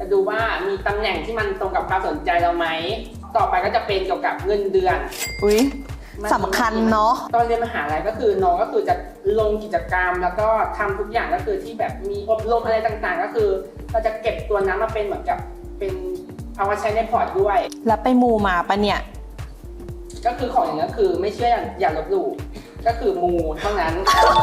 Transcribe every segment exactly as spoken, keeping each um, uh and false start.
จะดูว่ามีตำแหน่งที่มันตรงกับความสนใจเราไหมต่อไปก็จะเป็นเกี่ยวกับเงินเดือนอุ้ยสำคัญเนาะตอนเรียนมหาลัยก็คือน้องก็คือจะลงกิจกรรมแล้วก็ทำทุกอย่างก็คือที่แบบมีอบรมอะไรต่างๆก็คือเราจะเก็บตัวนั้นมาเป็นเหมือนกับเป็นเอามาใช้ในพอร์ตด้วยแล้วไปมูมาปะเนี่ยก็คือของอย่างนี้คือไม่เชื่ออย่าลบหลู่ก็คือมูเท่านั้น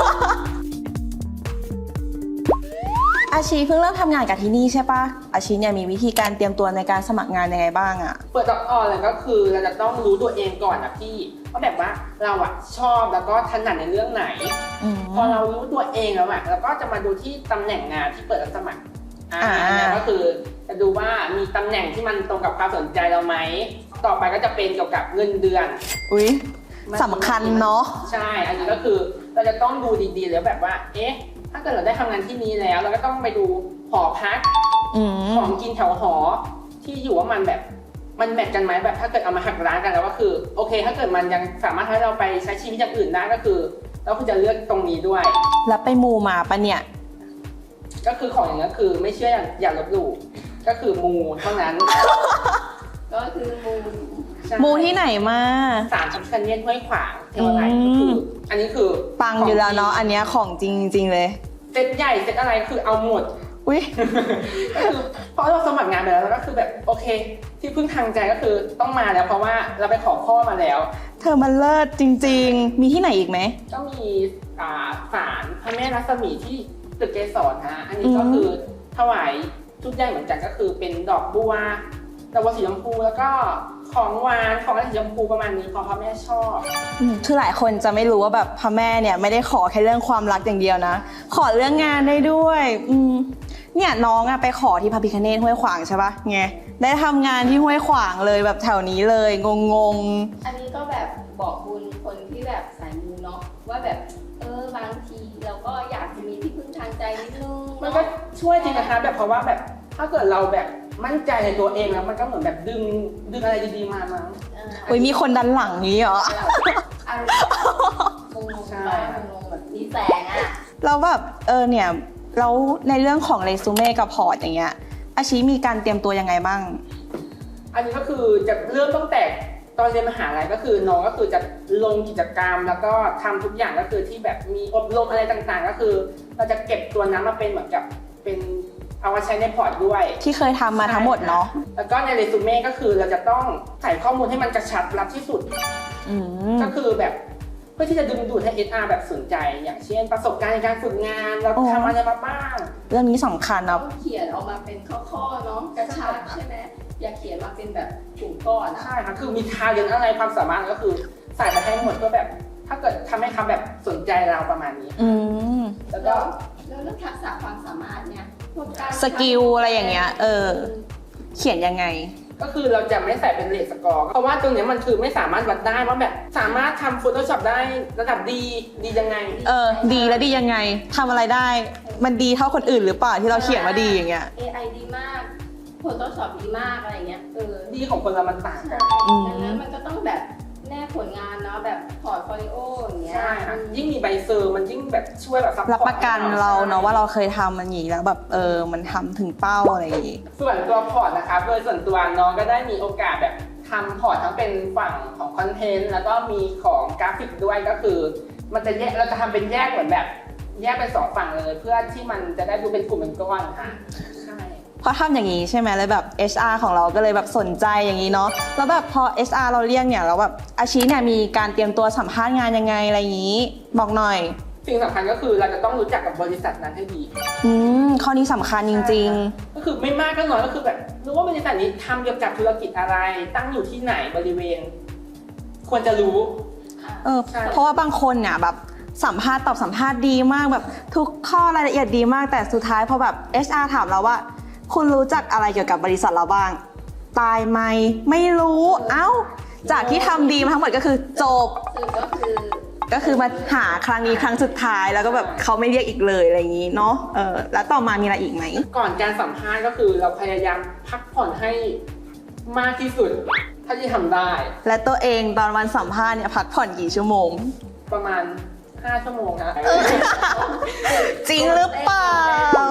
อาชีเพิ่งเริ่มทำงานกับที่นี่ใช่ปะอาชีเนี่ยมีวิธีการเตรียมตัวในการสมัครงานยังไงบ้างอะเปิดจอบออนเลยก็คือเราจะต้องรู้ตัวเองก่อนนะพี่ว่าแบบว่าเราอะชอบแล้วก็ถนัดในเรื่องไหนพอเรารู้ตัวเองแล้วอะเราก็จะมาดูที่ตำแหน่งงานที่เปิดรับสมัครอ่าเนี่ยก็คือจะดูว่ามีตำแหน่งที่มันตรงกับความสนใจเราไหมต่อไปก็จะเป็นเกี่ยวกับเงินเดือนอุ้ยสำคัญเนาะใช่อันนี้ก็คือเราจะต้องดูดีๆแล้วแบบว่าเอ๊ะถ้าเกิดเราได้ทำงานที่นี้แล้วเราก็ต้องไปดูหอพักของกินแถวหอที่อยู่ว่ามันแบบมันแมทกันไหมแบบถ้าเกิดเอามาหักล้างกันแล้วก็คือโอเคถ้าเกิดมันยังสามารถให้เราไปใช้ชีวิตอย่างอื่นได้ก็คือเราควรจะเลือกตรงนี้ด้วยแล้วไปมูมาปะเนี่ยก็คือของอย่างนี้คือไม่เชื่ออย่าลบหลู่ก็คือมูเท่านั้นก็คือมูมูที่ไหนมาศาลพระพิฆเนศห้วยขวางเทวาลัยก็คืออันนี้คือปังอยู่แล้วเนาะอันนี้ของจริงจริงเลยเซตใหญ่เซตอะไรคือเอาหมดอุ้ยก็คือเพราะเราสมัครงานไปแล้วก็คือแบบโอเคที่พึ่งทางใจก็คือต้องมาแล้วเพราะว่าเราไปขอข้อมาแล้วเธอมันเลิศจริงๆมีที่ไหนอีกไหมก็มีศาลพระแม่รัศมีที่ตึกเกสรฮะอันนี้ก็คือถวายชุดใหญ่เหมือนกันก็คือเป็นดอกบัวดอกบัวสีชมพูแล้วก็ของหวานของอะไรสีชมพูประมาณนี้เพราะพระแม่ชอบคือหลายคนจะไม่รู้ว่าแบบพระแม่เนี่ยไม่ได้ขอแค่เรื่องความรักอย่างเดียวนะขอเรื่องงานได้ด้วยอืมเนี่ยน้องอะไปขอที่พระพิฆเนศห้วยขวางใช่ปะไงได้ทำงานที่ห้วยขวางเลยแบบแถวนี้เลยงงงอันนี้ก็แบบบอกบุญคนที่แบบสายมูเนาะว่าแบบเออบางทีเราก็อยากจะมีที่พึ่งทางใจนิดนึงมันก็ช่วยจริงนะคะแบบเพราะว่าแบบถ้าเกิดเราแบบมั่นใจในตัวเองแล้วมันก็เหมือนแบบดึงดึงอะไรดีๆมามั้งอุ้ยมีคนดันหลังนี้เหรออารมณ์งงๆไปงงๆแบบมีแสงอะเราแบบเออเนี่ยแล้วในเรื่องของเรซูเม่กับพอร์ตอย่างเงี้ยอาชีมีการเตรียมตัวยังไงบ้างอันนี้ก็คือจะเริ่มตั้งแต่ตอนเรียนมหาลัยก็คือน้องก็คือจะลงกิจกรรมแล้วก็ทำทุกอย่างก็คือที่แบบมีอบรมอะไรต่างๆก็คือเราจะเก็บตัวนั้นมาเป็นเหมือนกับเป็นเอามาใช้ในพอร์ตด้วยที่เคยทำมาทั้งหมดเนาะแล้วก็ในเรซูเม่ก็คือเราจะต้องใส่ข้อมูลให้มันกระชับรัดที่สุดก็คือแบบเพื่อที่จะดึงดูดให้ เอช อาร์ แบบสนใจอย่างเช่นประสบการณ์ในการฝึกงานเราทำอะไรมาบ้างเรื่องนี้สำคัญนะต้องเขียนออกมาเป็นข้อๆเนาะกระชับใช่ไหมอย่าเขียนมาเป็นแบบกลุ่มก้อนใช่ค่ะคือมีทาเรียนอะไรความสามารถก็คือใส่ไปให้หมดเพื่อแบบถ้าเกิดทำให้เขาแบบสนใจเราประมาณนี้อืมแล้วก็แล้วเรื่องทักษะความสามารถเนี่ยสกิลอะไรอย่างเงี้ยเออเขียนยังไงก็คือเราจะไม่ใส่เป็นเรทสกอร์เพราะว่าตรงนี้มันคือไม่สามารถวัดได้ว่าแบบสามารถทำ Photoshop ได้ระดับดีดียังไงเออดีแล้วดียังไงทำอะไรได้มันดีเท่าคนอื่นหรือเปล่าที่เราเขียนมาดีอย่างเงี้ยเอ ไอ ดีมาก Photoshop ดีมากอะไรเงี้ยเออดีของคนเรามันต่างกันดังนั้นมันก็ต้องแบบแนบผลงานเนาะแบบพอร์ตโฟลิโออย่างเงี้ยใช่ค่ะยิ่งมีใบเซอร์มันยิ่งแบบช่วยแบบรับประกันเราเนาะว่าเราเคยทำมันอย่างนี้แล้วแบบเออมันทำถึงเป้าอะไรอย่างงี้ส่วนตัวพอร์ตนะคะโดยส่วนตัวน้องก็ได้มีโอกาสแบบทำพอร์ตทั้งเป็นฝั่งของคอนเทนต์แล้วก็มีของกราฟิกด้วยก็คือมันจะแยกเราจะทำเป็นแยกเหมือนแบบแยกเป็นสองฝั่งเลยเพื่อที่มันจะได้ดูเป็นกลุ่มเป็นก้อนค่ะใช่พอทำอย่างนี้ใช่ไหมเลยแบบ เอช อาร์ ของเราก็เลยแบบสนใจอย่างนี้เนาะแล้วแบบพอ เอช อาร์ เราเรียกเนี่ยแล้วแบบอาชีเนี่ยมีการเตรียมตัวสัมภาษณ์งานยังไงอะไรอย่างนี้บอกหน่อยสิ่งสำคัญก็คือเราจะต้องรู้จักกับบริษัทนั้นให้ดีอืมข้อนี้สำคัญจริงๆก็คือไม่มากก็น้อยก็คือแบบรู้ว่าบริษัทนี้ทำเกี่ยวกับธุรกิจอะไรตั้งอยู่ที่ไหนบริเวณควรจะรู้เออเพราะว่าบางคนเนี่ยแบบสัมภาษณ์ตอบสัมภาษณ์ดีมากแบบทุกข้อรายละเอียดดีมากแต่สุดท้ายพอแบบ เอช อาร์ ถามเราว่าคุณรู้จักอะไรเกี่ยวกับบริษัทเราบ้างตายไหมไม่รู้เอ้าจากที่ทำดีมาทั้งหมดก็คือจบก็คือก็คือมาหาครั้งนี้ครั้งสุดท้ายแล้วก็แบบเขาไม่เรียกอีกเลยอะไรอย่างนี้เนาะเออแล้วต่อมามีอะไรอีกไหมก่อนการสัมภาษณ์ก็คือเราพยายามพักผ่อนให้มากที่สุดถ้าที่ทำได้และตัวเองตอนวันสัมภาษณ์เนี่ยพักผ่อนกี่ชั่วโมงประมาณห้าชั่วโมงครับจริงหรือเปล่า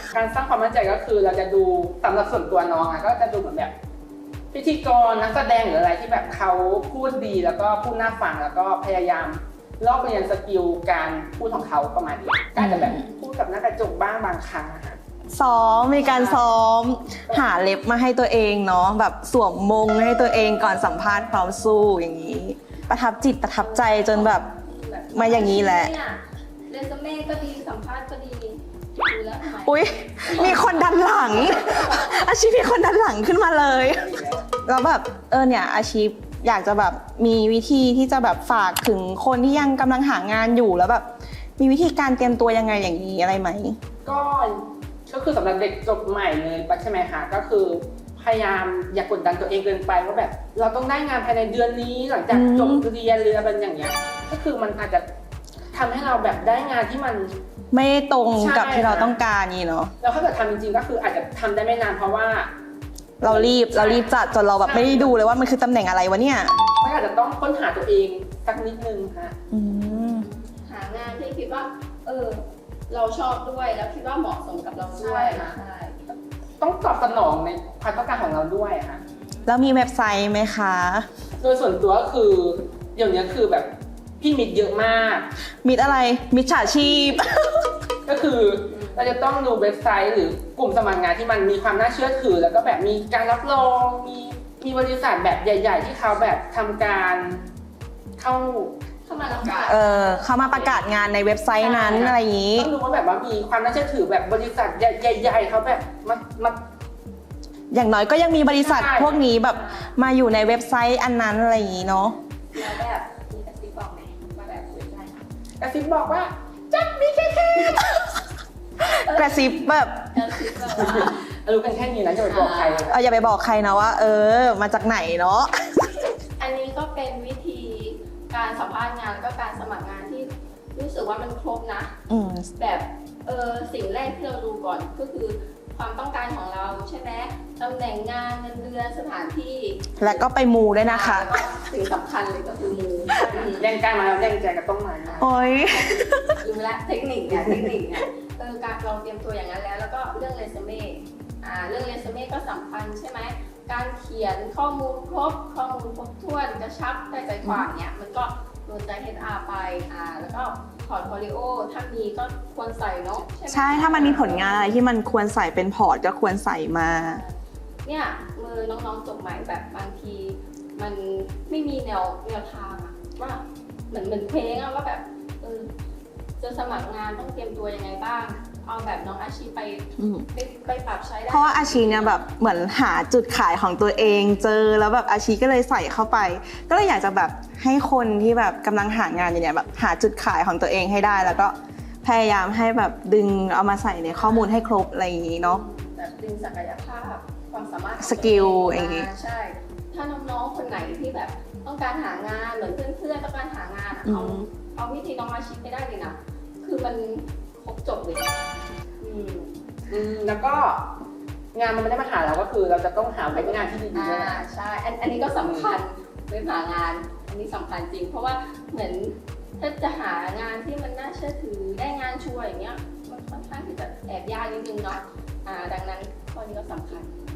การสร้างความมั่นใจก็คือเราจะดูสำหรับส่วนตัวน้องอะก็จะดูเหมือนแบบพิธีกรนักแสดงหรืออะไรที่แบบเขาพูดดีแล้วก็พูดน่าฟังแล้วก็พยายามลอกเรียนสกิลการพูดของเขาประมาณนี้ก็จะแบบพูดกับหน้ากระจกบ้างบางครั้งอะค่ะซ้อมมีการซ้อมหาเล็บมาให้ตัวเองเนาะแบบสวมมงให้ตัวเองก่อนสัมภาษณ์พร้อมสู้อย่างนี้ ประทับจิตประทับใจจนแบบมาอย่างนี้แหละเรซูเม่ก็ดีสัมภาษณ์ก็ดีดูแล้วทำไมอุ๊ยมีคนดันหลัง อาชีพมีคนดันหลังขึ้นมาเลยแล้วแบบเออเนี่ยอาชีพอยากจะแบบมีวิธีที่จะแบบฝากถึงคนที่ยังกำลังหางานอยู่แล้วแบบมีวิธีการเตรียมตัวยังไงอย่างนี้อะไรไหมก็ก็คือสำหรับเด็กจบใหม่เลยใช่ไหมคะก็คือพยายามอย่ากกดดันตัวเองเกินไปว่าแบบเราต้องได้งานภายในเดือนนี้หลังจากจบเรียนหรืออะไรอย่างเงี้ยก็คือมันอาจจะทำให้เราแบบได้งานที่มันไม่ตรงกับใช่ที่เราต้องการนี่เนาะแล้วถ้าเกิดทำจริงๆก็คืออาจจะทำได้ไม่นานเพราะว่าเรารีบเรารีบจัดจนเราแบบใช่ไม่ได้ดูเลยว่ามันคือตำแหน่งอะไรวะเนี่ยก็อาจจะต้องค้นหาตัวเองสักนิดนึงค่ะอืมหางานที่คิดว่า เออ เราชอบด้วยแล้วคิดว่าเหมาะสมกับเราด้วยใช่ค่ะใช่ต้องตอบสนองในความต้องการของเราด้วยค่ะแล้วมีเว็บไซต์ไหมคะโดยส่วนตัวก็คือเดี๋ยวนี้คือแบบพี่มิดเยอะมากมิดอะไรมิดฉาชีพก็คือเราจะต้องดูเว็บไซต์หรือกลุ่มสมัครงานที่มันมีความน่าเชื่อถือ แล้วก็แบบมีการรับรองมีมีบริษัทแบบใหญ่ ๆ ที่เขาแบบทำการเข้าเข้ามารับการเออเขามาประกาศงานในเว็บไซต์นั้นใช่อะไรอย่างนี้ต้องดูว่าแบบว่ามีความน่าเชื่อถือแบบบริษัทใหญ่ ๆเขาแบบมามาอย่างน้อยก็ยังมีบริษัทใช่พวกนี้แบบมาอยู่ในเว็บไซต์อันนั้นอะไรอย่างนี้เนาะแล้วแบบมีกระซิบบอกไหมว่าแบบเว็บไซต์กระซิบบอกว่าจับมีแค่แค่กระซิบแบบกระซิบแบบว่ารู้กันแค่นี้นะจะไปบอกใครเอออย่าไปบอกใครนะว่า เออ มาจากไหนเนาะอันนี้ก็เป็นวิธีการสัมภาษณ์งานแล้วก็การสมัครงานที่รู้สึกว่ามันครบนะอืมแบบเออสิ่งแรกที่เราดูก่อนก็คือความต้องการของเราใช่ไหมตำแหน่งงานเงินเดือนสถานที่แล้วก็ไปมูด้วยนะคะแล้วก็สิ่งสำคัญเลยก็คือมือแย่งกันมาแล้วแย่งใจก็ต้องมาโอ้ยรู้ละเทคนิคเนี่ยเทคนิคเนี่ยเออการเราเตรียมตัวอย่างนั้นแล้ว แล้วก็เรื่องเรซูเม่อ่าเรื่องเรซูเม่ก็สำคัญใช่ไหมการเขียนข้อมูลครบข้อมูลครบถ้วนกระชับได้ใจความเนี่ยมันก็โดนใจ เอช อาร์ ไปอ่าแล้วก็พอร์ตโฟลิโอถ้ามีก็ควรใส่เนาะใช่ไหมใช่ถ้ามันมีผลงานอะไรที่มันควรใส่เป็นพอร์ตก็ควรใส่มาเนี่ยมือน้องๆจบใหม่แบบบางที มันไม่มีแนวแนวทางอะว่าเหมือนเหมือนเพลงอะว่าแบบเออจะสมัครงานต้องเตรียมตัวยังไงบ้าง เอาแบบน้องอาชีไปอืมไปไปปรับใช้ได้เพราะว่าอาชีเนี่ยแบบเหมือนหาจุดขายของตัวเองเจอแล้วแบบอาชีก็เลยใส่เข้าไป ก็เลยอยากจะแบบให้คนที่แบบกำลังหางานอยู่เนี่ยแบบหาจุดขายของตัวเองให้ได้ แล้วก็พยายามให้แบบดึงเอามาใส่ในข้อมูลให้ครบอะไรอย่างนี้เนาะแบบดึงศักยภาพความสามารถของสกิลตัวเอย่างงี้มาใช่ ถ้าน้องๆคนไหนที่แบบต้องการหางานเหมือนเพื่อนๆต้องการหางานอะเอาเอาวิธีน้องอาชีไปได้เลยนะคือมันครบจบเลยอืมอืมแล้วก็งานมันไม่ได้มาหาเราก็คือ เราจะต้องหาเว็บงานที่ดีๆอ่าด้วยนะใช่อันอันนี้ก็สำคัญเว็บหางาน อันนี้สำคัญจริง เพราะว่าเหมือนถ้าจะหางานที่มันน่าเชื่อถือได้งานชัวร์อย่างเงี้ยมันค่อนข้างที่จะแอบยากนิดนึงเนาะอ่าดังนั้นข้อนี้ก็สำคัญ